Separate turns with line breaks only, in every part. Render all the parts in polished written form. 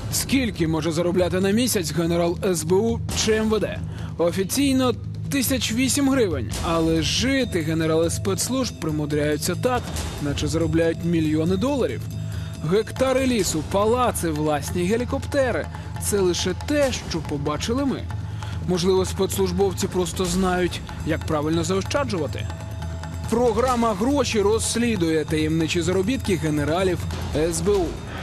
Скільки може заробляти на місяць генерал СБУ чи МВД? Офіційно 1008 гривень, але жити генерали спецслужб примудряються так, наче заробляють мільйони доларів. Гектари лісу, палаци, власні гелікоптери – це лише те, що побачили ми. Можливо, спецслужбовці просто знають, як правильно заощаджувати. Програма «Гроші» розслідує таємничі заробітки генералів СБУ.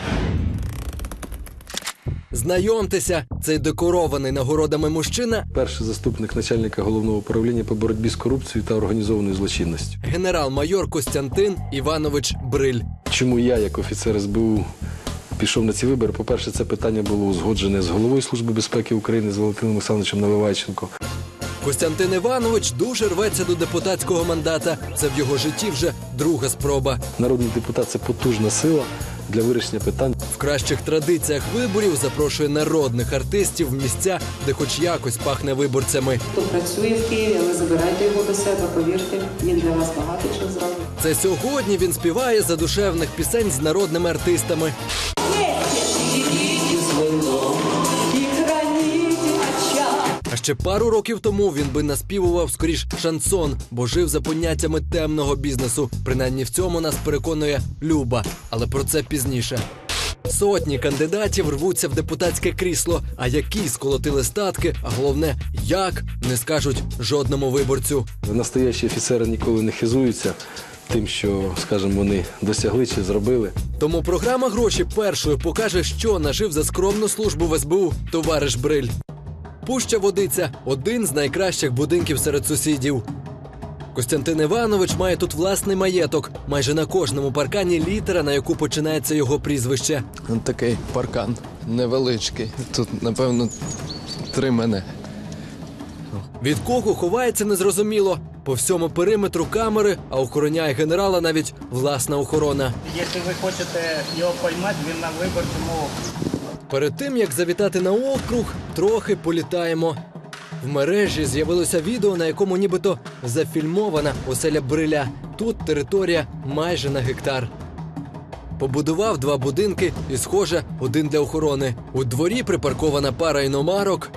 Знайомтеся, цей декорований нагородами мужчина –
перший заступник начальника головного управління по боротьбі з корупцією та організованою злочинністю.
Генерал-майор Костянтин Іванович Бриль.
Чому я, як офіцер СБУ, пішов на ці вибори? По-перше, це питання було узгоджене з головою Служби безпеки України, з Валентином Олександровичем Наливайченко.
Костянтин Іванович дуже рветься до депутатського мандата. Це в його житті вже друга спроба.
Народний депутат – це потужна сила для вирішення питань.
В кращих традиціях виборів запрошує народних артистів в місця, де хоч якось пахне виборцями.
Хто працює в Києві, але забирайте його до себе, повірте, він для вас багато чого зробить.
Це сьогодні він співає задушевних пісень з народними артистами. А ще пару років тому він би наспівував скоріш шансон, бо жив за поняттями темного бізнесу. Принаймні в цьому нас переконує Люба, але про це пізніше. Сотні кандидатів рвуться в депутатське крісло, а які сколотили статки, а головне, як, не скажуть жодному виборцю.
Настоящі офіцери ніколи не хизуються тим, що, скажімо, вони досягли чи зробили.
Тому програма «Гроші» першою покаже, що нажив за скромну службу в СБУ товариш Бриль. Пуща Водиця – один з найкращих будинків серед сусідів. Костянтин Іванович має тут власний маєток. Майже на кожному паркані літера, на яку починається його прізвище.
Ось такий паркан невеличкий. Тут, напевно, 3 мене.
Від кого ховається незрозуміло. По всьому периметру камери, а охороняє генерала навіть власна охорона.
Якщо ви хочете його поймати, він на виборчому окрузі.
Перед тим, як завітати на округ, трохи політаємо. В мережі з'явилося відео, на якому нібито зафільмована оселя Бриля. Тут територія майже на гектар. Побудував 2 будинки і, схоже, один для охорони. У дворі припаркована пара іномарок.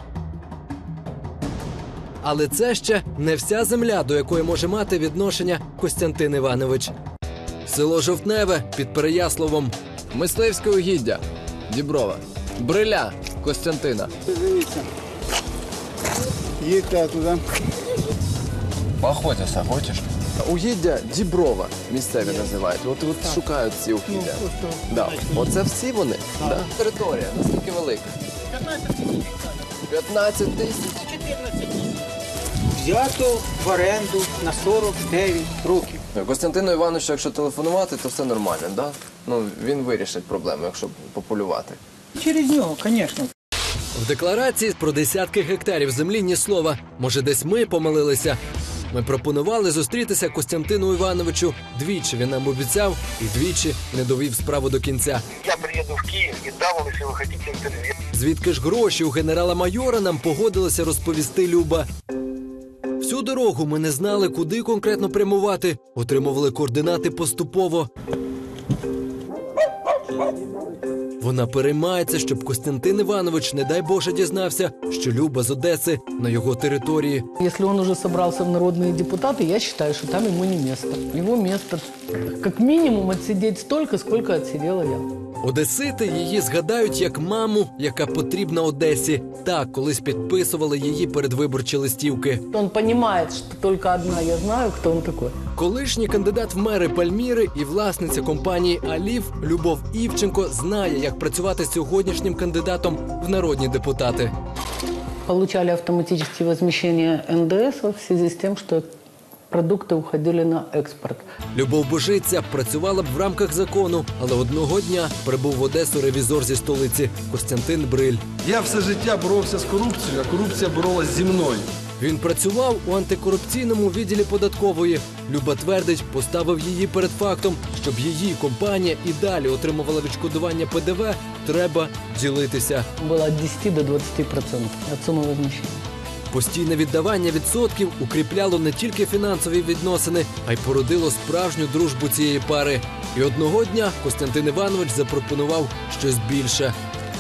Але це ще не вся земля, до якої може мати відношення Костянтин Іванович. Село Жовтневе під Переяславом.
Мисливське угіддя. Діброва. Бриля Костянтина.
Дивіться. Їдьте туди.
Поохотися хочеш? Угіддя Діброва місцеві називають. От шукають ці угіддя. Да. Оце всі вони? Да. Територія наскільки велика? 15 тисяч.
14 тисяч. Взято в оренду на 49 років.
Костянтину Івановичу, якщо телефонувати, то все нормально, да? Ну, він вирішить проблему, якщо популювати.
Через нього, звісно.
В декларації про десятки гектарів землі ні слова. Може, десь ми помилилися? Ми пропонували зустрітися Костянтину Івановичу. Двічі він нам обіцяв і двічі не довів справу до кінця.
Я приеду в Киев и дам вам, если вы хотите, интервью.
Звідки ж гроші у генерала-майора нам погодилася розповісти Люба. Всю дорогу ми не знали, куди конкретно прямувати. Отримували координати поступово. Вона переймається, щоб Костянтин Іванович, не дай Боже, дізнався, що Люба з Одеси на його території.
Если он уже собрался в народные депутаты, я считаю, что там ему не место. Его место как минимум отсидеть столько, сколько отсидела я.
Одесити її згадають як маму, яка потрібна Одесі. Так, колись підписували її передвиборчі листівки.
Он понимает, что только одна я знаю, кто он такой.
Колишній кандидат в мери Пальміри і власниця компанії «Алів» Любов Івченко знає, як працювати з сьогоднішнім кандидатом в народні депутати.
Получали автоматические возмещения НДС в связи с тем, что продукты уходили на экспорт.
Любов Божиця працювала б в рамках закону, але одного дня прибув в Одесу ревізор зі столиці Костянтин Бриль.
Я все життя боровся з корупцією, а корупція боролась зі мною.
Він працював у антикорупційному відділі податкової. Люба твердить, поставив її перед фактом, щоб її компанія і далі отримувала відшкодування ПДВ, треба ділитися.
Было от 10 до 20% от суммы возмещения.
Постійне віддавання відсотків укріпляло не тільки фінансові відносини, а й породило справжню дружбу цієї пари. І одного дня Костянтин Іванович запропонував щось більше.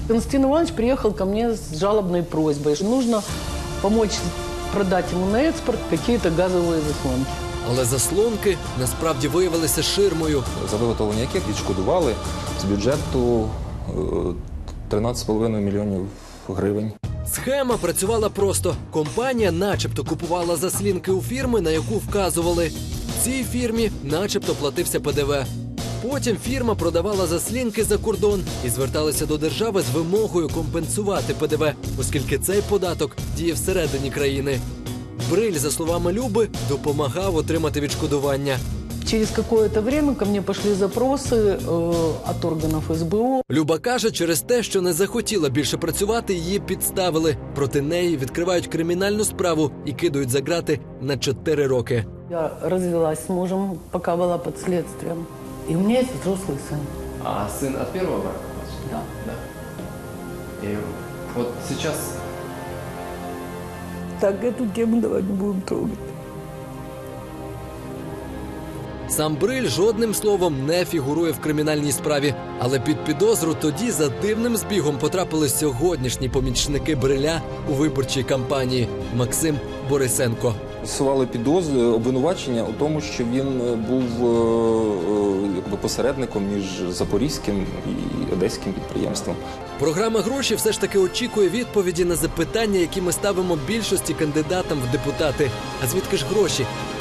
Константин Иванович приехал ко мне с жалобной просьбой, что нужно помочь продать ему на экспорт какие-то газовые заслонки.
Але заслонки насправді виявилися ширмою.
За виготовлення яких відшкодували з бюджету 13,5 мільйонів гривень.
Схема працювала просто. Компанія начебто купувала заслінки у фірми, на яку вказували. Цій фірмі начебто платився ПДВ. Потім фірма продавала заслінки за кордон і зверталася до держави з вимогою компенсувати ПДВ, оскільки цей податок діє всередині країни. Бриль, за словами Люби, допомагав отримати відшкодування.
Через какое-то время ко мне пошли запросы от органов СБУ.
Люба каже, через те, що не захотіла більше працювати, її підставили. Проти неї відкривають кримінальну справу і кидають за ґрати на 4 роки.
Я развелась с мужем, пока была под следствием. И у меня есть взрослый сын.
А сын от первого брака?
Да.
И вот сейчас...
Так, эту тему давай не будем трогать.
Сам Бриль жодним словом не фігурує в кримінальній справі. Але під підозру тоді за дивним збігом потрапили сьогоднішні помічники Бриля у виборчій кампанії – Максим Борисенко.
Сували підозри, обвинувачення у тому, що він був посередником між запорізьким і одеським підприємством.
Програма «Гроші» все ж таки очікує відповіді на запитання, які ми ставимо більшості кандидатам в депутати. А звідки ж гроші?